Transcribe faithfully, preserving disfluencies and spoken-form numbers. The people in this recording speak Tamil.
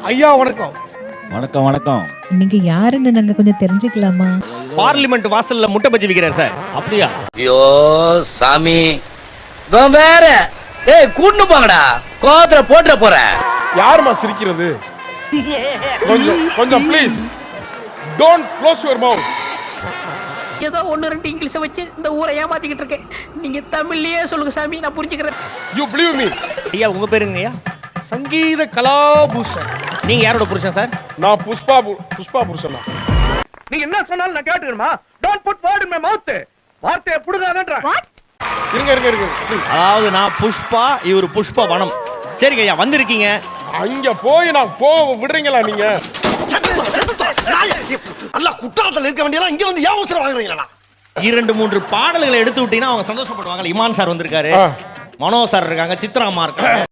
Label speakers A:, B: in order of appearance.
A: ஐயா வணக்கம்.
B: வணக்கம் வணக்கம்.
C: நீங்க யாருன்னு நாங்க கொஞ்சம் தெரிஞ்சுக்கலாமா?
D: பார்லிமெண்ட் வாசல்ல முட்டை பஜ்ஜி விக்கிறார் சார்.
B: அப்படியா?
E: ஐயோ சாமி வேற ஏய் கூட்டு போங்கடா கோவத்துல போட்டுற போறேன்.
A: யாருமா சிரிக்கிறது? கொஞ்சம் கொஞ்சம் please don't close your mouth.
F: ஏதோ ஒன்னு ரெண்டு இங்கிலீஷ வச்சு இந்த ஊரை ஏமாத்திக்கிட்டு இருக்கேன். நீங்க தமிழ்லயே சொல்லுங்க சாமி, நான் புரிஞ்சுக்கிறேன்.
A: You believe me.
D: ஐயா உங்க பேருங்க ஐயா?
A: சங்கீத கலாபூஷன்.
D: நீங்க யாரோட புருஷன் சார்?
A: நான் புஷ்பா புஷ்பா புருஷனா?
G: நீங்க என்ன சொன்னாலும் நான் கேட்டுக்கணுமா? Don't put word in my mouth. வார்த்தையை புடுங்காதன்ற.
A: இருங்க இருங்க இருங்க ப்ளீஸ்.
D: அதாவது நான் புஷ்பா, இவர் புஷ்ப வனம். சரிங்க ஐயா வந்திருக்கீங்க.
A: அங்க போய் நான் போக விடுறீங்களா நீங்க?
H: அல்ல குற்றாலத்துல இருக்க வேண்டியலாம் இங்க வந்து ஏன் அவசரம் வாங்குறீங்களா?
D: இரண்டு மூன்று பாடல்களை எடுத்து விட்டீங்கன்னா அவங்க சந்தோஷப்படுவாங்க. இமான் சார் வந்திருக்காரு, மனோ சார் இருக்காங்க, சித்ராமா இருக்காங்க.